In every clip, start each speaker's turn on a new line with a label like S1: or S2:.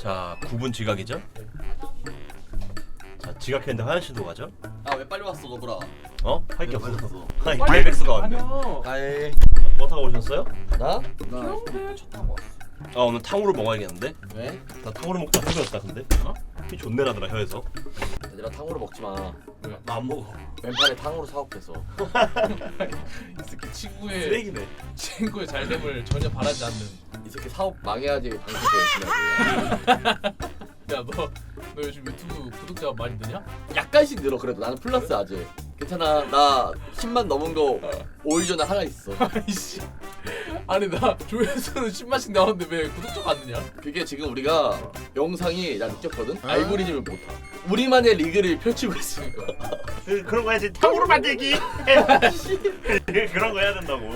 S1: 자, 9분 지각이죠? 자, 지각했는데 화장실도 가죠?
S2: 아 왜 빨리 왔어 너보라?
S1: 어? 할 게
S2: 왜 빨리
S1: 없어.
S2: 왔어?
S1: 아니, 발백스가 왔네.
S2: 아이
S1: 뭐 타고 오셨어요?
S2: 나? 나 차 타고 왔어.
S1: 아, 오늘 탕후루 먹어야겠는데?
S2: 왜?
S1: 나 탕후루 먹다 후회했다 근데? 어? 피 존내 나더라 혀에서.
S2: 얘들아 탕후루 먹지 마.
S1: 나 안 먹어.
S2: 왼팔에 탕후루 사올겠어.
S3: 이 새끼
S1: 쓰레기네.
S3: 친구의 잘됨을 전혀 바라지 않는.
S2: 이 새끼 사업 망해야지 방송도 열심히 하지.
S3: 너 요즘 유튜브 구독자가 많이 느냐?
S2: 약간씩 늘어 그래도 나는 플러스 아직. 괜찮아 나 10만 넘은 거 5일 전에 하나 있어.
S3: 아이씨. 아니 나 조회수는 10만씩 나왔는데 왜 구독자가 안 느냐?
S2: 그게 지금 우리가 영상이 나 느꼈거든? 알고리즘을 못 타. 우리만의 리그를 펼치고 있으니까.
S1: 그런 거 해야지. 탕후루 만들기. 그런 거 해야 된다고.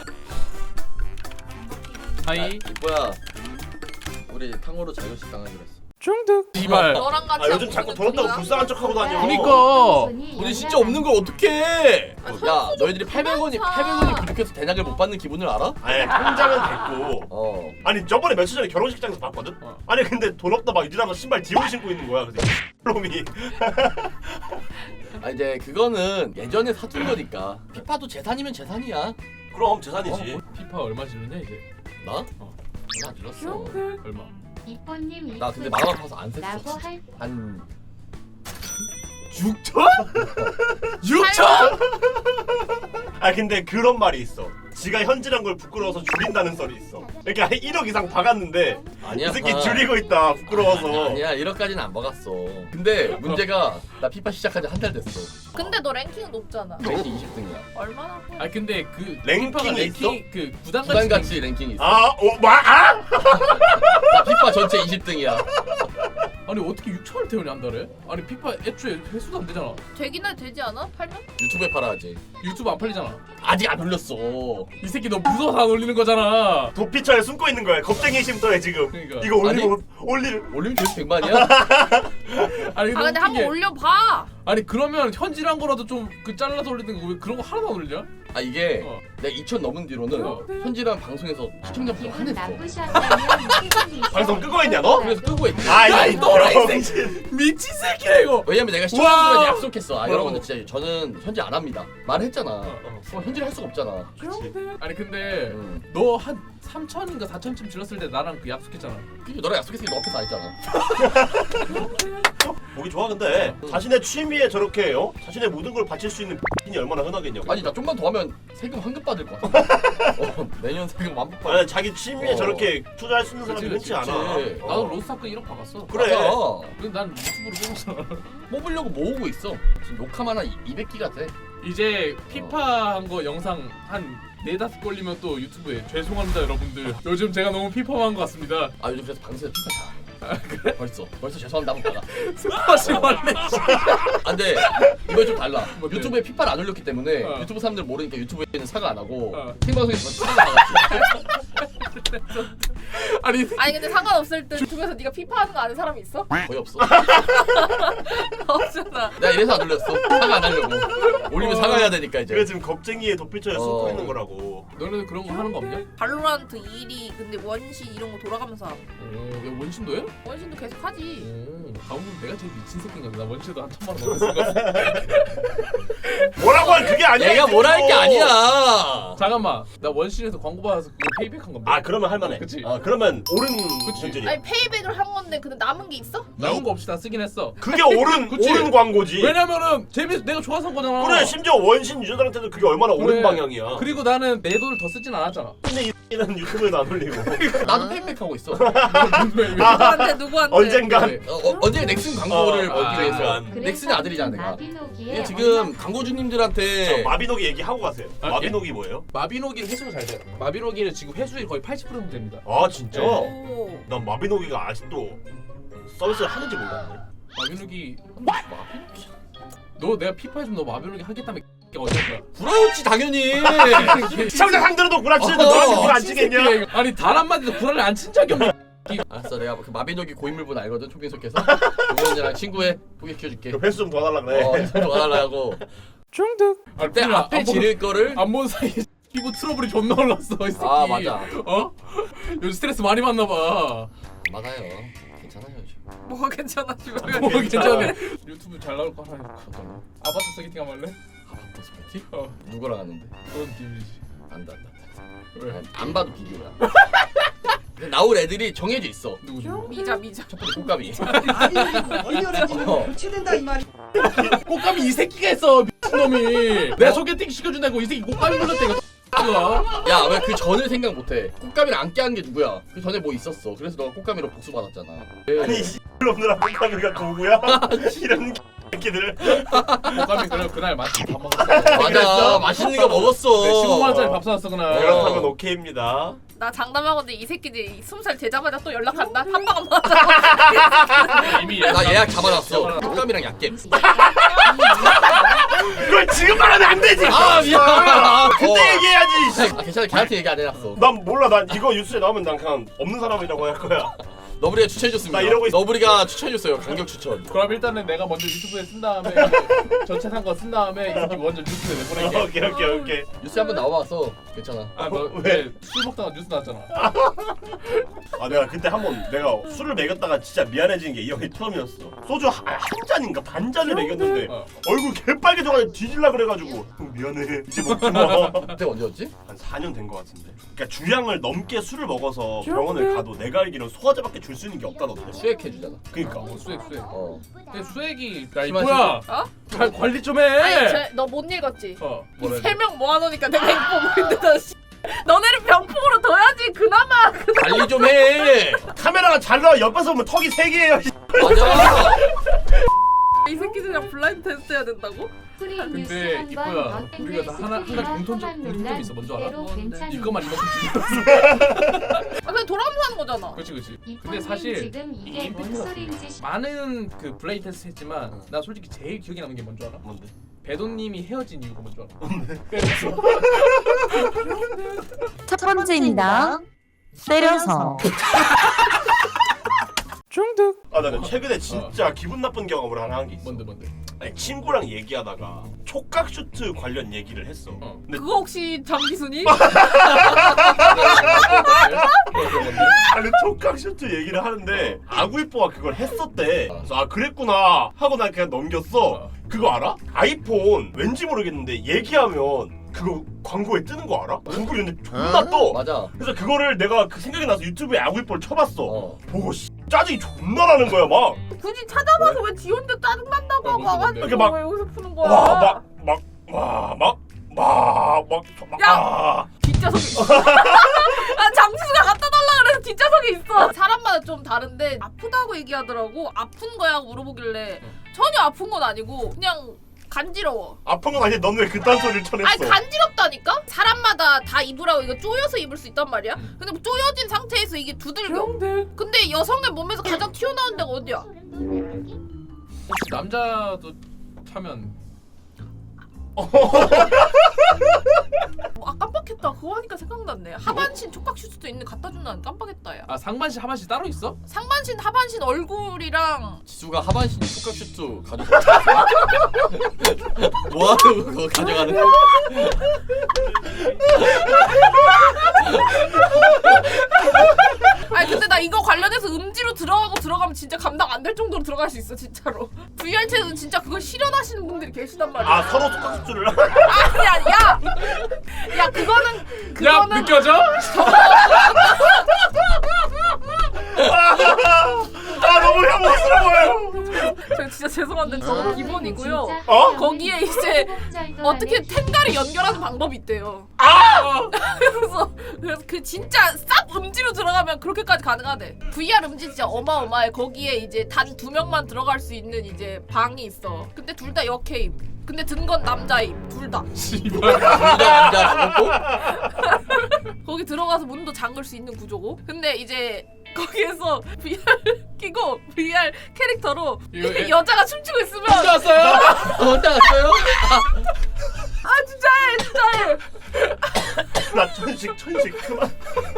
S3: 하이.
S2: 이뻐야 우리 탕후루 자격식 당하기로 했어.
S3: 중득. 이발.
S4: 너랑 같이
S1: 아, 요즘 자꾸 더럽다고 불쌍한 척하고 다녀.
S3: 그니까.
S2: 우리 진짜 없는 걸 어떡해? 야 너희들이 800원이 부족해서 대낙을 못 받는 기분을 알아?
S1: 아니, 통장은 됐고.
S2: 어.
S1: 아니, 저번에 며칠 전에 결혼식장에서 봤거든? 아니, 근데 돈 없다 막 이러다가 신발 디올 신고 있는 거야. 그래서 놈이.
S2: 아 이제 그거는 예전에 사둔 거니까. 피파도 재산이면 재산이야.
S1: 그럼 재산이지.
S3: 피파 얼마 지르냐 이제?
S2: 나? 나 들었어.
S3: 얼마?
S5: 이뽀님
S2: 나 근데 마음 아파서 안
S5: 라고
S2: 샜어.
S5: 할
S2: 한
S3: 6천? 6천?
S1: 아, 근데 그런 말이 있어. 지가 현질한 걸 부끄러워서 줄인다는 썰이 있어. 그러니까 1억 이상 박았는데
S2: 아니야.
S1: 이 새끼 줄이고 있다. 부끄러워서.
S2: 아니야 1억까지는 안 먹었어. 근데 문제가 나 피파 시작한 지 한 달 됐어.
S4: 근데 너 랭킹 높잖아.
S2: 랭킹 20등이야.
S4: 얼마나?
S3: 아 근데 그
S1: 랭킹이
S3: 랭킹 그 구단
S2: 구단같이 랭킹이 있어.
S1: 아, 뭐? 아?
S2: 나 피파 전체 20등이야.
S3: 아니 어떻게 6천을 태우냐 한 달에? 아니 피파 애초에 회수도 안 되잖아.
S4: 되긴 되지 않아? 팔면?
S2: 유튜브에 팔아야지.
S3: 유튜브 안 팔리잖아.
S2: 아직 안 올렸어.
S3: 이 새끼 너 무서워서 안 올리는 거잖아.
S1: 도피처에 숨고 있는 거야. 겁쟁이 심터에 지금.
S3: 그러니까.
S1: 이거 올리면
S2: 올리면 조회수 100만이야?
S3: 아니
S4: 아 근데 한번 올려봐.
S3: 아니 그러면 현질한 거라도 좀 그 잘라서 올리는 거 왜 그런 거 하나도 안 올리냐?
S2: 아 이게
S3: 어.
S2: 내가 2천 넘은 뒤로는
S3: 어.
S2: 현지랑 방송에서 시청자 수가
S5: 기분
S2: 한했어.
S5: 나쁘셨다면 기분이
S1: 방송 끄고 있냐, 너?
S2: 그래서 끄고 있지.
S1: 아,
S3: 야, 이 노라, 이
S1: 병신.
S3: 미친 새끼야 이거.
S2: 왜냐면 내가
S3: 와.
S2: 시청자들한테 약속했어. 아
S1: 뭐라고?
S2: 여러분들 진짜 저는 현지 안 합니다. 말했잖아. 그럼 현지를 할 수가 없잖아.
S3: 아니 근데
S2: 응.
S3: 너 한 3천인가 4천쯤 질렀을 때 나랑 그 약속했잖아.
S2: 그게 너랑 약속했으니까 너 앞에서 안 했잖아.
S1: 보기 좋아 근데 자신의 취미에 저렇게 자신의 모든 걸 바칠 수 있는 이 얼마나 흔하겠냐고.
S2: 아니 나 좀만 더 하면 세금 환급 받을 것 같아. 내년 세금 완복 받을.
S1: 아니, 자기 취미에 저렇게 투자할 수 있는 사람이 흔치 않아.
S2: 그치.
S3: 나도 로스타크 1억 박았어.
S1: 그래.
S2: 맞아.
S3: 근데 난 유튜브로 뽑았잖아.
S2: 뽑으려고 모으고 있어. 지금 욕하면 한 200기가 돼.
S3: 이제 피파 한 거 영상 한 4-5 걸리면 또 유튜브에 죄송합니다 여러분들. 요즘 제가 너무 피파만 것 같습니다.
S2: 아 요즘 그래서 방송에서 피파 다. 그래? 벌써 죄송합니다 한번 받아.
S3: 스파시 원래.
S2: 아 근데 이거 좀 달라.
S3: 뭔데?
S2: 유튜브에 피파를 안 올렸기 때문에
S3: 어.
S2: 유튜브 사람들 모르니까 유튜브에는 사과 안 하고
S3: 어.
S2: 생방송에서 사과 나갔지.
S3: 아니
S4: 아니 근데 상관없을 때 유튜브에서 네가 피파 하는 거 아는 사람이 있어?
S2: 거의 없어.
S4: 없잖아.
S2: 내가 이래서 안 올렸어. 사과 안 하려고. 올리면 사과해야 되니까 이제.
S1: 그래 지금 겁쟁이의 도피처에 숨고
S2: 어.
S1: 있는 거라고.
S3: 너네는 그런 거 하는 거 없냐?
S4: 발로란트 1위 근데 원신 이런 거 돌아가면서 하고.
S3: 야 원신도 해?
S4: 원신도 계속 하지.
S3: 가보면 내가 제일 미친 새끼인가 보다. 나 원신도 한 1,000만 원 넘었을 것 같아.
S1: 뭐라고 할 그게 아니야.
S2: 내가
S1: 이
S2: 뭘 할 게
S1: 새끼도.
S3: 아, 잠깐만, 나 원신에서 광고 받아서 그거 페이백한 건데.
S1: 아, 그러면 할만해.
S3: 그치.
S1: 아, 그러면 옳은
S3: 그치.
S1: 현질이야.
S4: 아니 페이백을 한 건데 근데 남은 게 있어?
S3: 나온 거 없이 다 쓰긴 했어.
S1: 그게 옳은
S3: 그치.
S1: 옳은 광고지.
S3: 왜냐면은 내가 좋아서 한 거잖아.
S1: 그래, 심지어 원신 유저들한테도 그게 얼마나 옳은
S3: 그래.
S1: 방향이야.
S3: 그리고 나는 내 돈을 더 쓰진 않았잖아.
S1: 근데 이는 유튜브에도 안 올리고.
S2: 나도 페이백하고 있어.
S4: 누구한테?
S1: 언젠간.
S2: 언제 넥슨 광고를
S1: 어,
S2: 벌기 위해서.
S1: 그러니까.
S2: 넥슨의 아들이잖아 내가.
S5: 마비노기에
S2: 이게 지금 광고주님들한테
S1: 마비노기 얘기하고 가세요.
S3: 아,
S1: 마비노기 뭐예요?
S3: 마비노기는 회수가 잘 돼요. 마비노기는 지금 회수율 거의 80% 정도 됩니다.
S1: 아, 진짜?
S3: 네.
S4: 오.
S1: 난 마비노기가 아직도 서비스를 하는지 몰랐네.
S3: 마비노기
S2: 마비노기?
S3: 너 내가 피파 해주면 너 마비노기 하겠다며 어쩔
S2: 부러웠지 당연히.
S1: 시청자 상대로도 구라치는데
S2: 어,
S1: 너한테 구라 안
S3: 거야?
S1: 치겠냐?
S3: 아니 단 한마디도 불안을 안 친 적이 없네.
S2: 알았어 내가 그 마비노기 고인물분 알거든 초빙석해서. 동현이랑 친구해 소개시켜줄게.
S1: 그 횟수 좀 더 달라 그래.
S2: 좀 와달라고.
S3: 중득.
S2: 그때 앞에 지를 거를.
S3: 안 본 사이에 피부 트러블이 존나 올랐어 이 새끼.
S2: 아 맞아.
S3: 어? 요즘 스트레스 많이 받나 봐.
S2: 맞아요. 괜찮아요.
S4: 뭐가 괜찮아 지금.
S3: 뭐 괜찮아. 유튜브 잘 나올 거 하나
S2: 어떤
S3: 아바타 소개팅 한번 할래?
S2: 아바타 소개팅?
S3: 어
S2: 누구랑 하는데?
S3: 그런 팀이지.
S2: 안다.
S3: 왜?
S2: 안 봐도 비디오야. 근데 나올 애들이 정해져 있어.
S3: 누구지?
S4: 미자.
S2: 첫 번째 꽃가미.
S6: 리얼해지면 교체된다 이 말이.
S3: 꽃가미 이 새끼가 했어 미친놈이. 내 소개팅 시켜준다고 이 새끼 꽃가미 불렀대 이거.
S2: 야 왜 그 전을 생각 못해? 꽃가미를 안 깨한 게 누구야? 그 전에 뭐 있었어. 그래서 너가 꽃가미로 복수 받았잖아.
S1: 아니 씨놈들아 꽃가미가 누구야? 이런 새끼들.
S3: 꽃가미 그래 그날 맛있게 밥 먹었어.
S2: 맞아. 맛있는 거 먹었어.
S3: 15만원짜리 밥 사왔어 그날.
S1: 그렇다면 오케이입니다.
S4: 나 장담하건데 이 새끼들이 20살 되자마자 또 연락한다. 한방 안 맞아.
S3: 이미
S2: 나 예약 잡아놨어. 꽃가미랑 약겜.
S1: 그걸 지금 말하면 안 되지.
S2: 아 미안.
S1: 그때 얘기해야지. 씨.
S2: 아 괜찮아. 걔한테 얘기 안 해놨어.
S1: 난 몰라. 난 이거 뉴스에 나오면 난 그냥 없는 사람이라고 할 거야.
S2: 너브리가 추천해줬습니다.
S1: 나 이러고 있-
S2: 너브리가 추천해줬어요. 강력 추천.
S3: 그럼 일단은 내가 먼저 유튜브에 쓴 다음에 전체 산 거 쓴 다음에 이 새끼 먼저 뉴스에 내보낼게.
S1: 오케이.
S2: 뉴스에 한번 나와봤어. 괜찮아.
S3: 아너술 먹다가 뉴스 나왔잖아.
S1: 아 내가 그때 한번 내가 술을 먹였다가 진짜 미안해지는 게 이 형이 처음이었어. 소주 한 잔인가 반 잔을 먹였는데
S3: 어.
S1: 얼굴 개빨개져가지고 뒤질라 그래가지고 형 미안해 이제 먹지 마.
S2: 그때 언제였지?
S1: 한 4년 된 것 같은데. 그러니까 주량을 넘게 술을 먹어서 병원을 가도 내가 알기로는 소화제밖에 줄 수 있는 게 없다던데.
S2: 수액해주잖아.
S1: 그러니까.
S3: 수액.
S2: 어.
S3: 근데 수액이 야
S2: 심한
S3: 이거야.
S4: 어?
S3: 잘 관리 좀 해.
S4: 아니 너 못 읽었지?
S3: 뭐라
S4: 세 명 모아놓으니까 내가 이뻐 보이는데 너네를 병풍으로 둬야지 그나마.
S2: 관리 좀 해.
S1: 카메라가 잘 나와 옆에서 보면 턱이 3개예요.
S2: 맞아.
S4: 이 새끼들이랑 블라인드 테스트 해야 된다고?
S3: 근데 이거야. 우리가 다 한 가지 공통점이 있어. 뭔지 알아?
S4: 뭔데?
S3: 이것만 이만큼 주는
S4: 아 그냥 돌아가면서 하는 거잖아.
S3: 그렇지. 근데 사실
S5: 지금 이게 뭔 소린지
S3: 많은 그 블레이 테스트 했지만 나 솔직히 제일 기억에 남는 게 뭔지 알아?
S1: 뭔데?
S3: 배도님이 헤어진 이유가 뭔지 알아?
S7: 첫 번째입니다. 때려서.
S3: 중득.
S1: 아 나는 최근에 진짜 기분 나쁜 경험을 하나 한 게 있어.
S3: 뭔데?
S1: 아니 친구랑 얘기하다가 촉각 슈트 관련 얘기를 했어.
S3: 어.
S1: 근데
S4: 그거 혹시 장기순이?
S1: 아니 촉각 슈트 얘기를 하는데 아구이뽀가 그걸 했었대. 그래서 아 그랬구나 하고 난 그냥 넘겼어. 그거 알아? 아이폰 왠지 모르겠는데 얘기하면 그거 광고에 뜨는 거 알아? 구글이 존나 떠.
S2: 맞아.
S1: 그래서 그거를 내가 그 생각이 나서 유튜브에 아구이뽀를 쳐봤어.
S2: 어.
S1: 보고 짜증이 존나 나는 거야 막.
S4: 굳이 찾아봐서 왜 지 혼자 짜증난다고 하고
S3: 뭔데?
S4: 와가지고
S1: 이렇게 막-
S4: 왜 여기서 푸는 거야?
S1: 와
S4: 뒷좌석에 있어. 아 장지수가 갖다 달라 그래서 뒷좌석에 있어. 사람마다 좀 다른데 아프다고 얘기하더라고. 아픈 거야 하고 물어보길래 전혀 아픈 건 아니고 그냥 간지러워.
S1: 아픈 건 아닌데 넌 왜 그딴 소리를 쳐냈어?
S4: 아니 간지럽다니까? 사람마다 다 입으라고 이거 쪼여서 입을 수 있단 말이야. 근데 뭐 쪼여진 상태에서 이게 두들겨. 근데 여성의 몸에서 가장 튀어나온 데가 어디야?
S3: 혹시 남자도 차면
S4: 아 깜빡했다. 그거 하니까 생각났네. 하반신 촉각 슈트도 있는데 갖다 준다는 깜빡했다 야.
S3: 아 상반신 하반신 따로 있어?
S4: 상반신 하반신 얼굴이랑
S2: 지수가 하반신 촉각 슈트 가져가. 뭐하는 그거 가져가는?
S4: 아니 근데 나 이거 관련해서 음지로 들어가면 진짜 감당 안 될 정도로 들어갈 수 있어 진짜로. VR챗은 진짜 그걸 실현하시는 분들이 계시단 말이야.
S1: 아 서로 촉각 슈트를
S4: 아니야 야 그거는
S3: 야 느껴져?
S1: 아 너무 혐오스러워요.
S4: 저 진짜 죄송한데 저거 기본이고요.
S1: 어?
S4: 거기에 이제 어떻게 텐가를 연결하는 방법이 있대요. 그래서 그 진짜 싹 음지로 들어가면 그렇게까지 가능하대. VR 음지 진짜 어마어마해. 거기에 이제 단 2명만 들어갈 수 있는 이제 방이 있어. 근데 둘 다 여케임. 근데 든 건 남자임. 둘 다.
S3: 씨발.
S2: 남자 죽었고.
S4: 거기 들어가서 문도 잠글 수 있는 구조고. 근데 이제 거기에서 VR 끼고 VR 캐릭터로
S3: 이거
S4: 여자가 춤추고 있으면
S3: 왔어요?
S2: 혼자 갔어요?
S4: 아 진짜해.
S1: 나 천식 그만.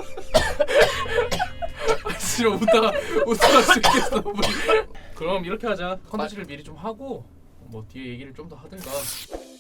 S3: 싫어 웃다가 죽겠어. 그럼 이렇게 하자. 컨텐츠를 미리 좀 하고 뭐 뒤에 얘기를 좀 더 하든가.